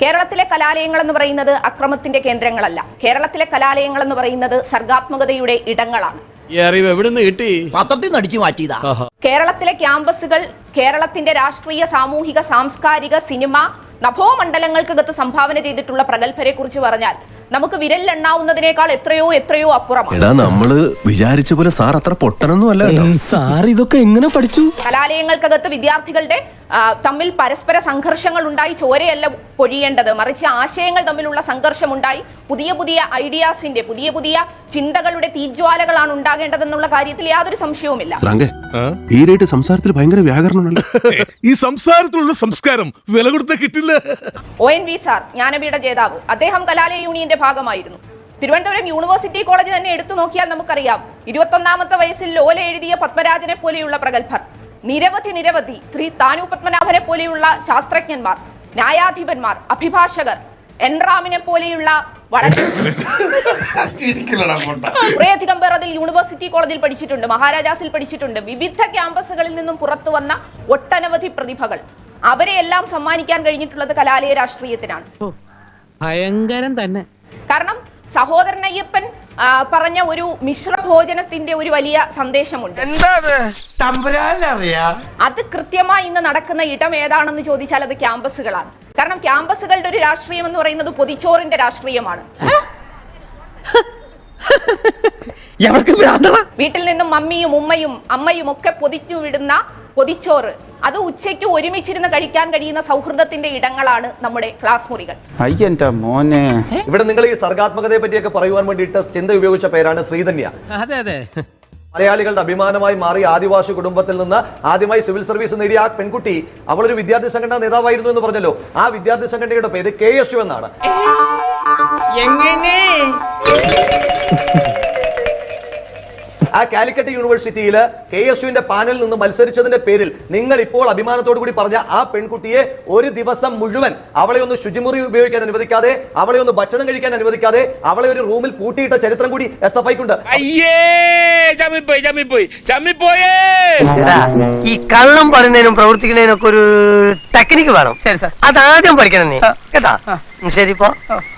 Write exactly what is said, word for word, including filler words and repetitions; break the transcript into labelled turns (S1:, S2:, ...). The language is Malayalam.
S1: കേരളത്തിലെ കലാലയങ്ങൾ എന്ന് പറയുന്നത് അക്രമത്തിന്റെ കേന്ദ്രങ്ങളല്ല. കേരളത്തിലെ കലാലയങ്ങൾ എന്ന് പറയുന്നത് സർഗാത്മകതയുടെ ഇടങ്ങളാണ്. കേരളത്തിലെ ക്യാമ്പസുകൾ കേരളത്തിന്റെ രാഷ്ട്രീയ, സാമൂഹിക, സാംസ്കാരിക, സിനിമ, നഭോമണ്ഡലങ്ങൾക്കകത്ത് സംഭാവന ചെയ്തിട്ടുള്ള പ്രഗത്ഭരെ കുറിച്ച് പറഞ്ഞാൽ നമുക്ക് വിരലിലെണ്ണാവുന്നതിനേക്കാൾ എത്രയോ എത്രയോ അപ്പുറമാണ്.
S2: നമ്മള് വിചാരിച്ച പോലെ സാർ അത്ര പൊട്ടനൊന്നും അല്ല. സാർ ഇതൊക്കെ എങ്ങനെ പഠിച്ചു?
S1: കലാലയങ്ങൾക്കകത്ത് വിദ്യാർത്ഥികളുടെ തമ്മിൽ പരസ്പര സംഘർഷങ്ങൾ ഉണ്ടായി ചോരയല്ല പൊഴിയേണ്ടത്, മറിച്ച് ആശയങ്ങൾ തമ്മിലുള്ള സംഘർഷം ഉണ്ടായി പുതിയ പുതിയ ഐഡിയാസിന്റെ, പുതിയ പുതിയ ചിന്തകളുടെ തീജ്വാലകളാണ് ഉണ്ടാകേണ്ടതെന്നുള്ള കാര്യത്തിൽ യാതൊരു സംശയവുമില്ല.
S2: സംസാരത്തിൽ ഭയങ്കര വ്യാകരണമുണ്ട്.
S3: ഈ സംസാരത്തിലുള്ള സംസ്കാരം വില കൊടുത്ത കിട്ടില്ല.
S1: ഒ എൻ വി സാർ, ജ്ഞാനപീഠ ജേതാവ്, അദ്ദേഹം കലാലയ യൂണിയന്റെ ഭാഗമായിരുന്നു. തിരുവനന്തപുരം യൂണിവേഴ്സിറ്റി കോളേജ് തന്നെ എടുത്തു നോക്കിയാൽ നമുക്കറിയാം, ഇരുപത്തൊന്നാമത്തെ വയസ്സിൽ ലോല എഴുതിയ പത്മരാജനെ പോലെയുള്ള പ്രഗത്ഭർ, നിരവധി നിരവധി ശ്രീ താനു പത്മനാഭനെ പോലെയുള്ള ശാസ്ത്രജ്ഞന്മാർ, ന്യായാധിപന്മാർ, അഭിഭാഷകർ, എൻറാമിനെ പോലെയുള്ള വളരെ കുറേയധികം പേർ അതിൽ യൂണിവേഴ്സിറ്റി കോളേജിൽ പഠിച്ചിട്ടുണ്ട്, മഹാരാജാസിൽ പഠിച്ചിട്ടുണ്ട്. വിവിധ ക്യാമ്പസുകളിൽ നിന്നും പുറത്തു വന്ന ഒട്ടനവധി പ്രതിഭകൾ, അവരെയെല്ലാം സമ്മാനിക്കാൻ കഴിഞ്ഞിട്ടുള്ളത് കലാലയ രാഷ്ട്രീയത്തിനാണ്.
S4: ഭയങ്കരം തന്നെ.
S1: കാരണം സഹോദരൻ അയ്യപ്പൻ പറഞ്ഞ ഒരു മിശ്രഭോജനത്തിന്റെ ഒരു വലിയ സന്ദേശമുണ്ട്. അത് കൃത്യമായി ഇന്ന് നടക്കുന്ന ഇടം ഏതാണെന്ന് ചോദിച്ചാൽ അത് ക്യാമ്പസുകളാണ്. കാരണം ക്യാമ്പസുകളുടെ ഒരു രാഷ്ട്രീയം എന്ന് പറയുന്നത് പൊതിച്ചോറിന്റെ രാഷ്ട്രീയമാണ്. വീട്ടിൽ നിന്നും മമ്മിയും ഉമ്മയും അമ്മയും ഒക്കെ പൊതിച്ചു വിടുന്ന പൊതിച്ചോറ്, അത് ഉച്ചയ്ക്ക് ഒരുമിച്ചിരുന്ന് കഴിക്കാൻ കഴിയുന്ന സൗഹൃദത്തിന്റെ ഇടങ്ങളാണ് നമ്മുടെ ക്ലാസ് മുറികൾ.
S5: ഇവിടെ നിങ്ങൾ ഈ സർഗാത്മകതയെ പറ്റിയൊക്കെ പറയുവാൻ വേണ്ടിയിട്ട് ചിന്ത ഉപയോഗിച്ച പേരാണ് ശ്രീധന്യ. മലയാളികളുടെ അഭിമാനമായി മാറി ആദിവാസി കുടുംബത്തിൽ നിന്ന് ആദ്യമായി സിവിൽ സർവീസ് നേടിയ ആ പെൺകുട്ടി, അവളൊരു വിദ്യാർത്ഥി സംഘടന നേതാവായിരുന്നു എന്ന് പറഞ്ഞല്ലോ. ആ വിദ്യാർത്ഥി സംഘടനയുടെ പേര് കെ എസ് യു എന്നാണ്. ആ കാലിക്കറ്റ് യൂണിവേഴ്സിറ്റിയിൽ കെ എസ് യുവിന്റെ പാനലിൽ നിന്ന് മത്സരിച്ചതിന്റെ പേരിൽ നിങ്ങൾ ഇപ്പോൾ അഭിമാനത്തോടു കൂടി പറഞ്ഞ ആ പെൺകുട്ടിയെ ഒരു ദിവസം മുഴുവൻ അവളെ ഒന്ന് ശുചിമുറി ഉപയോഗിക്കാൻ അനുവദിക്കാതെ, അവളെ ഒന്ന് ഭക്ഷണം കഴിക്കാൻ അനുവദിക്കാതെ, അവളെ ഒരു റൂമിൽ പൂട്ടിയിട്ട ചരിത്രം കൂടി എസ് എഫ് ഐക്കുണ്ട്.
S6: ഈ കള്ളം പറയുന്നതിനും പ്രവർത്തിക്കുന്നതിനൊക്കെ ഒരു ടെക്നിക്ക് വേണം. ശരി സാർ, അതാദ്യം പഠിക്കണം നീ കേട്ടാ. ശരി, ഇപ്പൊ